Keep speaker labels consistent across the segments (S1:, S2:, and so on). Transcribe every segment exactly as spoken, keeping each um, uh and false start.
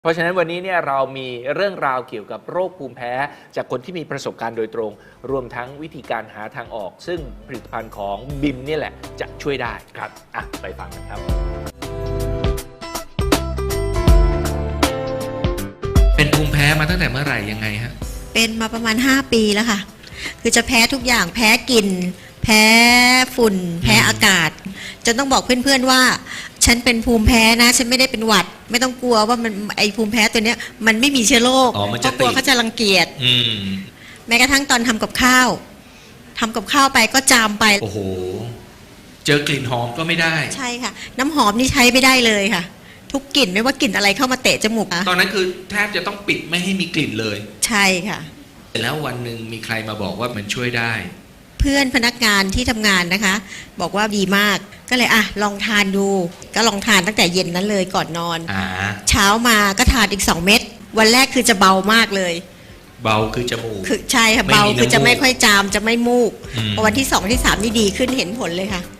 S1: เพราะฉะนั้นวันนี้เนี่ยเรามีเรื่องราวเกี่ยวกับโรคภูมิแพ้จากคนที่มีประสบการณ์โดยตรงรวมทั้งวิธีการหาทางออกซึ่งผลิตภัณฑ์ของบิมนี่แหละจะช่วยได้ครับอ่ะไปฟังกันครับเป็นภูมิแพ้มาตั้งแต่เมื่อไหร่ยังไงฮะ
S2: เป็นมาประมาณห้าปีแล้วค่ะคือจะแพ้ทุกอย่างแพ้กลิ่นแพ้ฝุ่นแพ้อากาศจนต้องบอกเพื่อนๆว่าฉันเป็นภูมิแพ้นะฉันไม่ได้เป็นหวัดไม่ต้องกลัวว่ามันไอภูมิแพ้ตัวเนี้ยมันไม่มีเชื้อโรคเพราะกลัวเขาจะรังเกียจแม้กระทั่งตอนทำกับข้าวทำกับข้าวไปก็จามไป
S1: โอ้โหเจอกลิ่นหอมก็ไม่ได้
S2: ใช่ค่ะน้ำหอมนี่ใช้ไม่ได้เลยค่ะทุกกลิ่นไม่ว่ากลิ่นอะไรเข้ามาเตะจมูก
S1: ตอนนั้นคือแทบจะต้องปิดไม่ให้มีกลิ่นเลย
S2: ใช่ค่ะ
S1: แล้ววันหนึ่งมีใครมาบอกว่ามันช่วยได้
S2: เพื่อนพนักงานที่ทำงานนะคะบอกว่าดีมากก็เลยอ่ะลองทานดูก็ลองทานตั้งแต่เย็นนั้นเลยก่อนนอนเช้ามาก็ทานอีกสองเม็ดวันแรกคือจะเบามากเลย
S1: เบาคือจมูก
S2: คือใช่ค่ะเบาคือจะไม่ค่อยจามจะไม่มูกพอวันที่สองที่สามนี่ดีขึ้นเห็นผลเลยค่ะ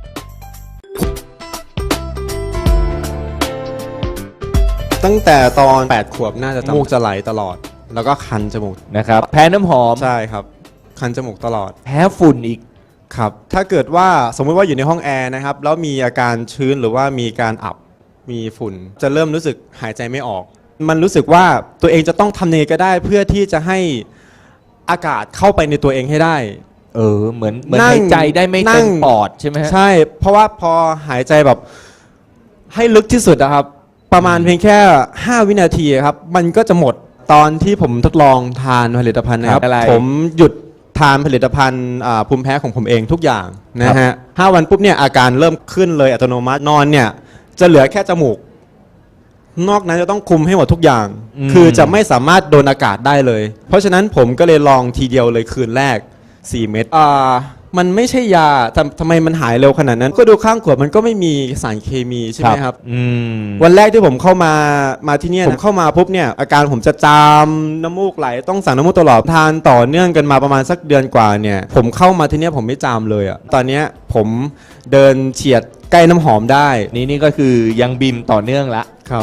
S3: ตั้งแต่ตอนแปดขวบน่าจะจมูกจะไหลตลอดแล้วก็คันจมูก
S4: นะครับแพ้น้ำหอม
S3: ใช่ครับคันจมูกตลอด
S4: แพ้ฝุ่นอีก
S3: ครับถ้าเกิดว่าสมมติว่าอยู่ในห้องแอร์นะครับแล้วมีอาการชื้นหรือว่ามีการอับมีฝุ่นจะเริ่มรู้สึกหายใจไม่ออกมันรู้สึกว่าตัวเองจะต้องทำยังไงก็ได้เพื่อที่จะให้อากาศเข้าไปในตัวเองให้ได้
S4: เออเหมือนเหมือนหายใจได้ไม่เต็มปอดใช่ไหมฮะ
S3: ใช่เพราะว่าพอหายใจแบบให้ลึกที่สุดนะครับประมาณเพียงแค่ห้าวินาทีครับมันก็จะหมดตอนที่ผมทดลองทานผลิตภัณฑ์นะครับผมหยุดทานผลิตภัณฑ์ภูมิแพ้ของผมเองทุกอย่างนะฮะห้าวันปุ๊บเนี่ยอาการเริ่มขึ้นเลยอัตโนมัตินอนเนี่ยจะเหลือแค่จมูกนอกนั้นจะต้องคุมให้หมดทุกอย่างคือจะไม่สามารถโดนอากาศได้เลยเพราะฉะนั้นผมก็เลยลองทีเดียวเลยคืนแรกสี่เม็ดอ่ามันไม่ใช่ยาทำทำไมมันหายเร็วขนาดนั้นก็ดูข้างขวดมันก็ไม่มีสารเคมีใช่ไหมครับวันแรกที่ผมเข้ามามาที่นี่ผมเข้ามาปุ๊บเนี่ยอาการผมจะจามน้ำมูกไหลต้องสั่งน้ำมูกตลอดทานต่อเนื่องกันมาประมาณสักเดือนกว่าเนี่ยผมเข้ามาที่นี่ผมไม่จามเลยอ่ะตอนนี้ผมเดินเฉียดใกล้น้ำหอมได้
S4: นี่นี่ก็คือยังบิมต่อเนื่องละ
S3: ครับ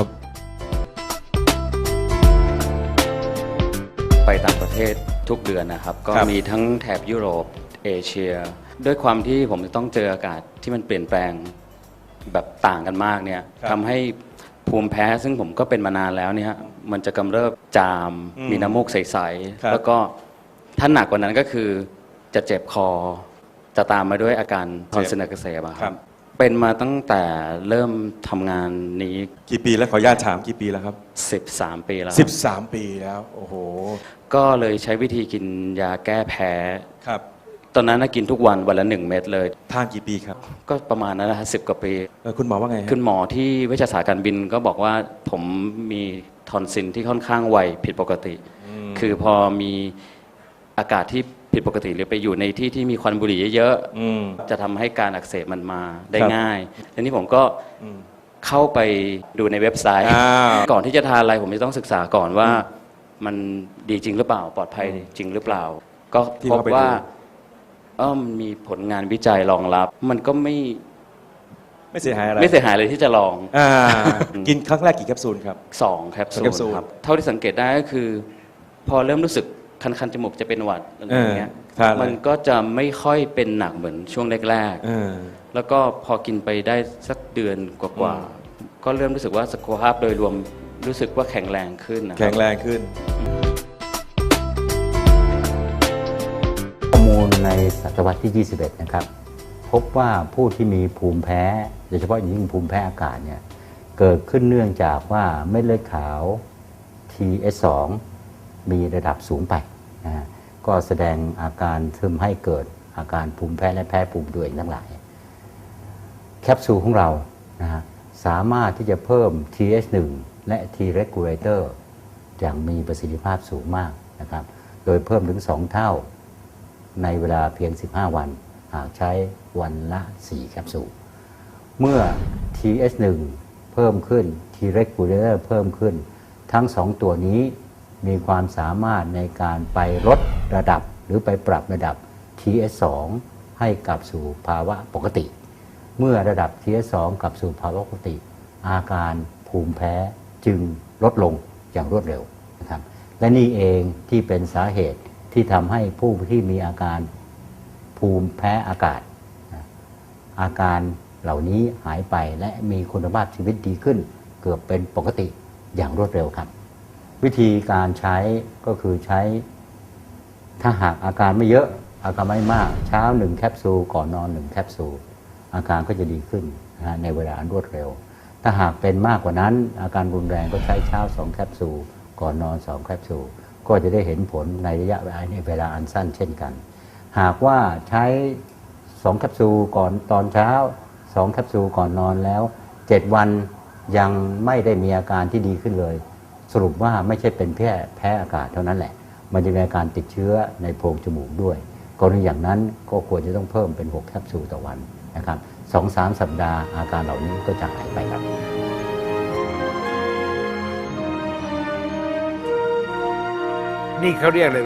S5: ไปต่างประเทศทุกเดือนนะครับก็มีทั้งแถบยุโรปเอเชียด้วยความที่ผมจะต้องเจออากาศที่มันเปลี่ยนแปลงแบบต่างกันมากเนี่ยทำให้ภูมิแพ้ซึ่งผมก็เป็นมานานแล้วเนี่ยมันจะกำเริบจามมีน้ำมูกใสๆแล้วก็ถ้าหนักกว่านั้นก็คือจะเจ็บคอจะตามมาด้วยอาการทอนซิลอักเสบครับเป็นมาตั้งแต่เริ่มทำงานนี้
S6: กี่ปีแล้วขออนุญาตถามกี่ปีแล้วครับ
S5: สิบสามปีแล้ว
S6: สิบสามปีแล้วโอ้โห
S5: ก็เลยใช้วิธีกินยาแก้แพ้
S6: ครับ
S5: ตอนนั้นกินทุกวันวันละหนึ่งเม็ดเลย
S6: ทานกี่ปีครับ
S5: ก็ประมาณนั้นนะฮะสิบกว่าปี
S6: คุณหมอว่าไง
S5: คุณหมอที่เวชศาสตร์การบินก็บอกว่าผมมีทอนซิลที่ค่อนข้างไวผิดปกติคือพอมีอากาศที่ผิดปกติหรือไปอยู่ในที่ที่มีควันบุหรี่เยอะๆจะทำให้การอักเสบมันมาได้ง่ายทีนี้ผมก็เข้าไปดูในเว็บไซต์ก่อนที่จะทานอะไรผมจะต้องศึกษาก่อนว่ามันดีจริงหรือเปล่าปลอดภัยจริงหรือเปล่าก็พบว่าเออมีผลงานวิจัยรองรับมันก็ไม่
S6: ไม่เสียหายอะไร
S5: ไม่เสียหายเลยที่จะลอง
S6: กินครั้งแรกกี่แคปซูลครับ
S5: สองแคปซูลครับเท่าที่สังเกตได้ก็คือพอเริ่มรู้สึกคันๆจมูกจะเป็นหวัดอะไรอย่างเงี้ยมันก็จะไม่ค่อยเป็นหนักเหมือนช่วงแรกๆแล้วก็พอกินไปได้สักเดือนกว่าๆก็เริ่มรู้สึกว่าสุขภาพโดยรวมรู้สึกว่าแข็งแรงขึ้น
S6: แข็งแรงขึ้น
S7: ข้อมูลในศตวรรษที่ยี่สิบเอ็ดนะครับพบว่าผู้ที่มีภูมิแพ้โดยเฉพาะอย่างยิ่งภูมิแพ้อากาศเนี่ยเกิดขึ้นเนื่องจากว่าเม็ดเลือดขาว ที เอส สอง มีระดับสูงไปนะฮะก็แสดงอาการทำให้เกิดอาการภูมิแพ้และแพ้ภูมิตัวเองทั้งหลายแคปซูลของเรานะฮะสามารถที่จะเพิ่ม ที เอช หนึ่ง และ T regulator อย่างมีประสิทธิภาพสูงมากนะครับโดยเพิ่มถึงสองเท่าในเวลาเพียงสิบห้าวันหากใช้วันละสี่แคปซูลเมื่อ ที เอช หนึ่ง เพิ่มขึ้น T regulator เพิ่มขึ้นทั้งสองตัวนี้มีความสามารถในการไปลดระดับหรือไปปรับระดับ ที เอช สอง ให้กลับสู่ภาวะปกติเมื่อระดับ ที เอช สอง กลับสู่ภาวะปกติอาการภูมิแพ้จึงลดลงอย่างรวดเร็วนะครับและนี่เองที่เป็นสาเหตุที่ทำให้ผู้ที่มีอาการภูมิแพ้อากาศอาการเหล่านี้หายไปและมีคุณภาพชีวิตดีขึ้นเกือบเป็นปกติอย่างรวดเร็วครับวิธีการใช้ก็คือใช้ถ้าหากอาการไม่เยอะอาการไม่มากเช้าหนึ่งแคปซูลก่อนนอนหนึ่งแคปซูลอาการก็จะดีขึ้นนะในเวลาอันรวดเร็วถ้าหากเป็นมากกว่านั้นอาการรุนแรงก็ใช้เช้าสองแคปซูลก่อนนอนสองแคปซูลก็จะได้เห็นผลในระยะเวลาในเวลาอันสั้นเช่นกันหากว่าใช้สองแคปซูลก่อนตอนเช้าสองแคปซูลก่อนนอนแล้วเจ็ดวันยังไม่ได้มีอาการที่ดีขึ้นเลยสรุปว่าไม่ใช่เป็นแค่แพ้อากาศเท่านั้นแหละมันจะมีอาการติดเชื้อในโพรงจมูกด้วยกรณีอย่างนั้นก็ควรจะต้องเพิ่มเป็นหกแคปซูลต่อวันนะครับ สองถึงสาม สัปดาห์อาการเหล่านี้ก็จะหายไปครับ
S1: นี่เขาเรียกเลย